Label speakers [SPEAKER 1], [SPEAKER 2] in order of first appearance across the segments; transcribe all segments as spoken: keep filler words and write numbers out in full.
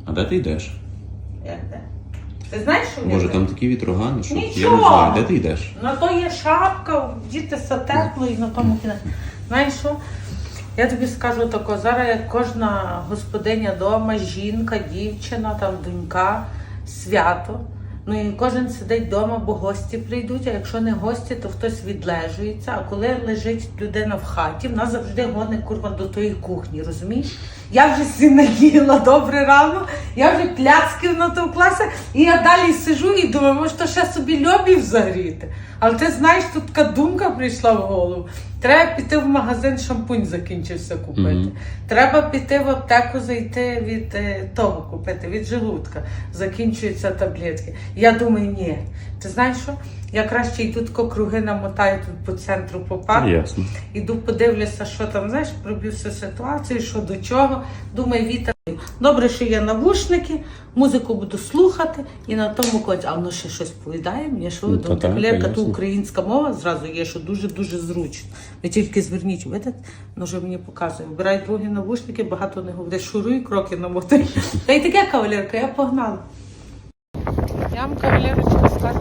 [SPEAKER 1] А де ти йдеш?
[SPEAKER 2] Як де? Ти знаєш, що
[SPEAKER 1] Може
[SPEAKER 2] я
[SPEAKER 1] там такі вітрогани, що я не
[SPEAKER 2] Нічого.
[SPEAKER 1] знаю, де ти йдеш?
[SPEAKER 2] На то є шапка, дітися тепло і на тому кінець. Знаєш що? Я тобі скажу тако, зараз як кожна господиня вдома, жінка, дівчина, там донька, свято. Ну і кожен сидить вдома, бо гості прийдуть, а якщо не гості, то хтось відлежується. А коли лежить людина в хаті, вона завжди гоне курва до тої кухні, розумієш? Я вже всі наїла добре рано, я вже пляцків натовклася, і я далі сижу і думаю, може, то ще собі льобів загріти. Але ти знаєш, тут така думка прийшла в голову. Треба піти в магазин, шампунь закінчився купити. Mm-hmm. Треба піти в аптеку, зайти від е, того купити, від желудка. Закінчуються таблетки. Я думаю, ні. Ти знаєш що? Я краще йду тако круги намотаю тут по центру по парку.
[SPEAKER 1] Ясно.
[SPEAKER 2] Іду подивлюся, що там, знаєш, проб'ю всю ситуацію, що до чого. Думаю, вітер. Добре, що є навушники, музику буду слухати і на тому коці. А воно ще щось повідає мені, що
[SPEAKER 1] Ну,
[SPEAKER 2] ну, кавалерка, то українська мова зразу є, що дуже-дуже зручно. Ви тільки зверніть, видите, воно вже мені показує. Вбирай другі навушники, багато не говорить, шуруй, кроки намотай. Та й таке, кавалерка, я погнала. Я вам, кавалерочка, скажу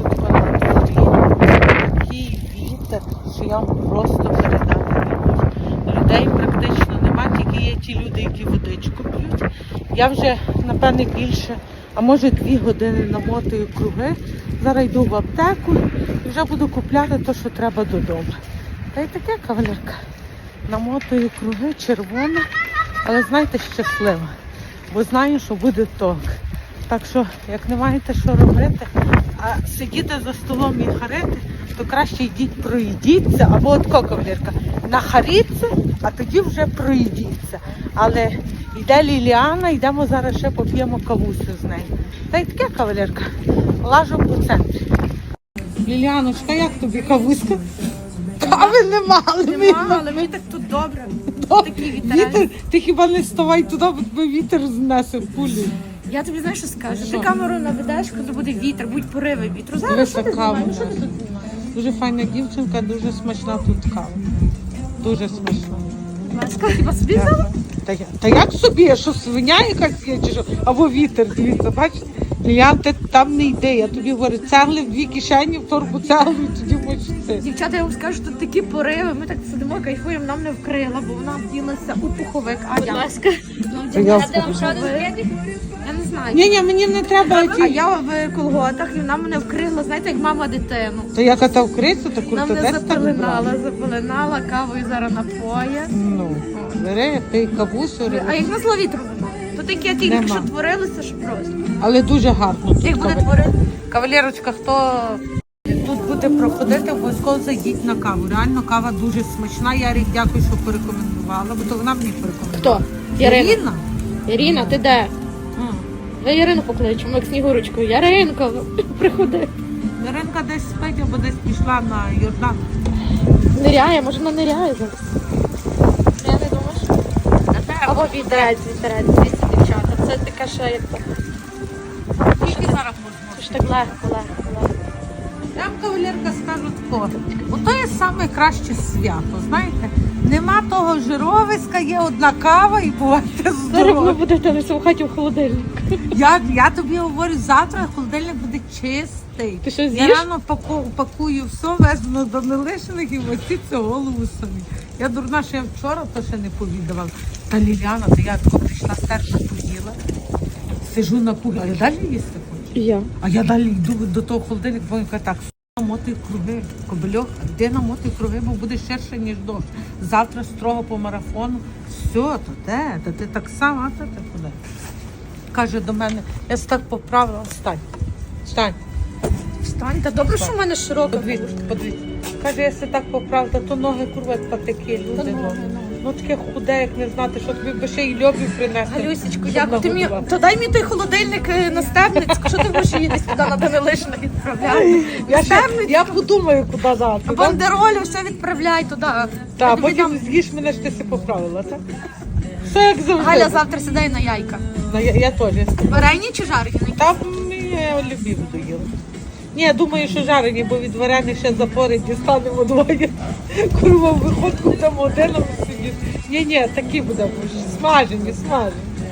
[SPEAKER 2] такий вітер, що я вам просто передати не можу. Людей практично нема, тільки є ті люди, які водичку п'ють. Я вже, напевне, більше, а може дві години намотую круги. Зараз йду в аптеку і вже буду купляти те, що треба додому. Та й таке, кавалерка. Намотую круги, червона, але, знаєте, щаслива. Бо знаю, що буде ток. Так що, як не маєте що робити, а сидіти за столом і харити, то краще йдіть проїдіться, або от кавалерка, нахаріться, а тоді вже проїдіться. Але йде Ліліана, йдемо зараз ще поп'ємо кавусю з нею. Та й таке, кавалерка, лажу по центрі. Ліліаночка, як тобі кавуська? Кави нема, але ми...
[SPEAKER 3] Нема, але мені так тут добре. Такий
[SPEAKER 2] Вітер, ти хіба не вставай туди, бо тебе вітер знесе в кулі.
[SPEAKER 3] Я тобі знаєш, що скажу?
[SPEAKER 2] Що?
[SPEAKER 3] Ти камеру наведеш, коли буде вітер, будуть пориви вітру. Зараз
[SPEAKER 2] Дивися,
[SPEAKER 3] що ти
[SPEAKER 2] кава.
[SPEAKER 3] знімаєш? Що ти тут знімаєш?
[SPEAKER 2] Дуже файна дівчинка, дуже смачна тут кава. Дуже смачна.
[SPEAKER 3] Ласка, хіба собі взяла?
[SPEAKER 2] Та, я, та як собі, що свиня якась є, чи що? Або вітер, дивіться, бачите? Лілян, ти там не йди, я тобі говорю, цегли в дві кишені, в торбу цегли, і тоді можеш це.
[SPEAKER 3] Дівчата, я вам скажу, тут такі пориви, ми так сидимо, кайфуємо, нам не вкрила, бо вона вділася у пуховик. А я?
[SPEAKER 2] Я
[SPEAKER 3] Я не знаю.
[SPEAKER 2] Ні, ні, мені не треба.
[SPEAKER 3] А
[SPEAKER 2] Ті...
[SPEAKER 3] я в колготах, і вона мене вкрила, знаєте, як мама дитину.
[SPEAKER 2] То я ката вкриться, то
[SPEAKER 3] Вона
[SPEAKER 2] курта
[SPEAKER 3] мене
[SPEAKER 2] десь так
[SPEAKER 3] запеленала,
[SPEAKER 2] брала.
[SPEAKER 3] запеленала, кавою зараз напоє.
[SPEAKER 2] Ну, бери, пий кавусю,
[SPEAKER 3] А як на зло вітру нема? То таке тільки
[SPEAKER 2] Нема.
[SPEAKER 3] що творилося, що просто.
[SPEAKER 2] але дуже гарно. Тут
[SPEAKER 3] Як буде
[SPEAKER 2] кавалер.
[SPEAKER 3] творити?
[SPEAKER 2] Кавалерочка, хто тут буде проходити, обов'язково зайдіть на каву. Реально кава дуже смачна. Ярик, дякую, що порекомендувала, бо то вона мені порекомендувала.
[SPEAKER 3] Хто?
[SPEAKER 2] Ірина?
[SPEAKER 3] Ірина, ти де?
[SPEAKER 2] М.
[SPEAKER 3] Ви Ірину покличемо, як Снігурочку. Яринко, приходи.
[SPEAKER 2] Іринка десь спить або десь пішла на Йордан.
[SPEAKER 3] Ниряє, може вона ниряє зараз. Я не думаю, що... Або вітерець, вітерець, дивіться, дівчата. Це таке ще як так.
[SPEAKER 2] Тільки зараз можна.
[SPEAKER 3] Це ж так легко, легко, легко.
[SPEAKER 2] Я вам, кавалерка, скажу тако. Ото є саме краще свято, знаєте? Нема того жировиська, є одна кава і бувайте
[SPEAKER 3] Зараз ви
[SPEAKER 2] здорові.
[SPEAKER 3] будете на всьому хаті в холодильник.
[SPEAKER 2] Я, я тобі говорю, завтра холодильник буде чистий.
[SPEAKER 3] Ти що,
[SPEAKER 2] Я
[SPEAKER 3] з'їш?
[SPEAKER 2] рано паку, пакую все, везну до нелишених і мостіться голову самі. Я дурна, що я вчора то ще не повідувала. Та Ліляна, то я тако прийшла, стерша поїла, сижу на кухні, а я далі їсти хочу.
[SPEAKER 3] Я.
[SPEAKER 2] А я далі йду до того холодильника, бо він каже, так, намотуй круги, Кобильох, де намотуй круги, бо буде ширше, ніж дощ. Завтра строго по марафону. Все, то де? Та ти так само, а то ти куди? Каже до мене, я так поправила, встань, встань,
[SPEAKER 3] Встань, та добре, що в мене широка
[SPEAKER 2] подивіться,
[SPEAKER 3] куртка.
[SPEAKER 2] подивіться. Каже, я се так поправила, то ноги курва як патики, люди.
[SPEAKER 3] ноги,
[SPEAKER 2] ну.
[SPEAKER 3] ноги.
[SPEAKER 2] Ну таке худе, як не знати, що тобі би ще й льобів принести.
[SPEAKER 3] Галюсечку,
[SPEAKER 2] щоб
[SPEAKER 3] дякую. Ти мені...
[SPEAKER 2] нагодувати.
[SPEAKER 3] То дай мені той холодильник е, на Стебницьку. Що ти будеш її десь туди на Данилишина відправляти?
[SPEAKER 2] Я, ще, я подумаю, куди дати. да?
[SPEAKER 3] Бандеролю все відправляй туди. Я
[SPEAKER 2] Так,
[SPEAKER 3] тобі
[SPEAKER 2] потім
[SPEAKER 3] дам-
[SPEAKER 2] з'їш мене, що ти си поправила, так? Все як завжди.
[SPEAKER 3] Галя завтра сідає на яйка.
[SPEAKER 2] Ну, я, я теж.
[SPEAKER 3] Варені чи жарені?
[SPEAKER 2] Там я любів доїла. Ні, я думаю, що жарені, бо від варених ще запори дістанемо двоє. Курва, в виходку там один сидіти. Ні, ні, такі будемо. Смажені, смажені.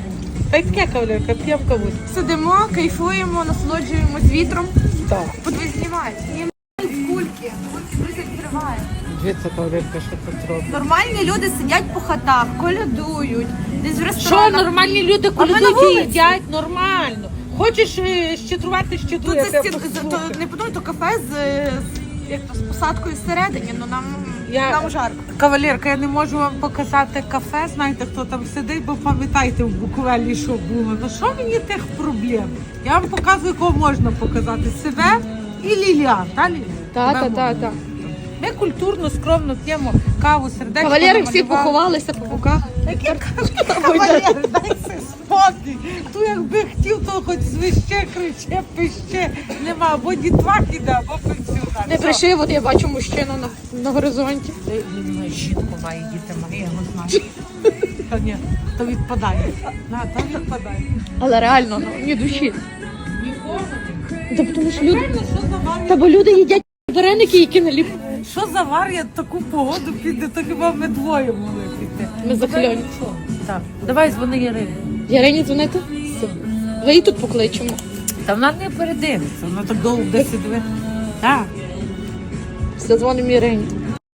[SPEAKER 2] Та й таке, кавалерка, п'ємо кавусь.
[SPEAKER 3] Сидимо, кайфуємо, насолоджуємось вітром.
[SPEAKER 2] Так.
[SPEAKER 3] Подивись, знімають. Знімають кульки. Кульки друзі відкривають.
[SPEAKER 2] Дивіться, кавалерка, що тут робить.
[SPEAKER 3] Нормальні люди сидять по хатах, колядують, десь в
[SPEAKER 2] Що,
[SPEAKER 3] ресторанах.
[SPEAKER 2] нормальні люди,
[SPEAKER 3] А ми на
[SPEAKER 2] коли
[SPEAKER 3] вулиці.
[SPEAKER 2] їдять, нормально. Хочеш е, щедрувати,
[SPEAKER 3] Тут
[SPEAKER 2] щедруй.
[SPEAKER 3] за
[SPEAKER 2] я тебе
[SPEAKER 3] стін, то,
[SPEAKER 2] послухаю.
[SPEAKER 3] не подумай, то кафе з, з, як то, з посадкою всередині, ну нам,
[SPEAKER 2] Я-
[SPEAKER 3] нам жарко.
[SPEAKER 2] Кавалерка, я не можу вам показати кафе, знаєте, хто там сидить, бо пам'ятаєте в Буковелі, що було. Ну що мені тих проблем? Я вам показую, кого можна показати. Себе і Ліліан, та Ліліан?
[SPEAKER 3] Та,
[SPEAKER 2] Тебе
[SPEAKER 3] та,
[SPEAKER 2] можна.
[SPEAKER 3] та, та.
[SPEAKER 2] Ми культурно, скромно п'ємо каву, сердечко
[SPEAKER 3] Кавалери всі
[SPEAKER 2] намалювали.
[SPEAKER 3] поховалися по боках.
[SPEAKER 2] Які кавалери, дайся спокій. Ту якби хотів, то хоч звище, криче, пище. Нема, або дітвак іде, або пенсіонер.
[SPEAKER 3] Не
[SPEAKER 2] Все.
[SPEAKER 3] прийшли, от я бачу мужчину на, на горизонті.
[SPEAKER 2] Він має жінку, має діти, має, я його знаю. Та ні, то відпадає. На, то відпадає.
[SPEAKER 3] Але реально, ну, ні душі.
[SPEAKER 2] Нікого.
[SPEAKER 3] Та тому що люди,
[SPEAKER 2] Реально, що за вар?
[SPEAKER 3] та бо люди їдять вареники, які наліп.
[SPEAKER 2] Що за вар, я таку погоду піде, то хіба ми двоє могли піти.
[SPEAKER 3] Ми закльоні.
[SPEAKER 2] Так, давай дзвони Ярині.
[SPEAKER 3] Ярині дзвонити? Все. Ви її тут покличемо.
[SPEAKER 2] Та вона не передивиться, вона так довго буде сидіти. Так.
[SPEAKER 3] Все, дзвонимо Ярині.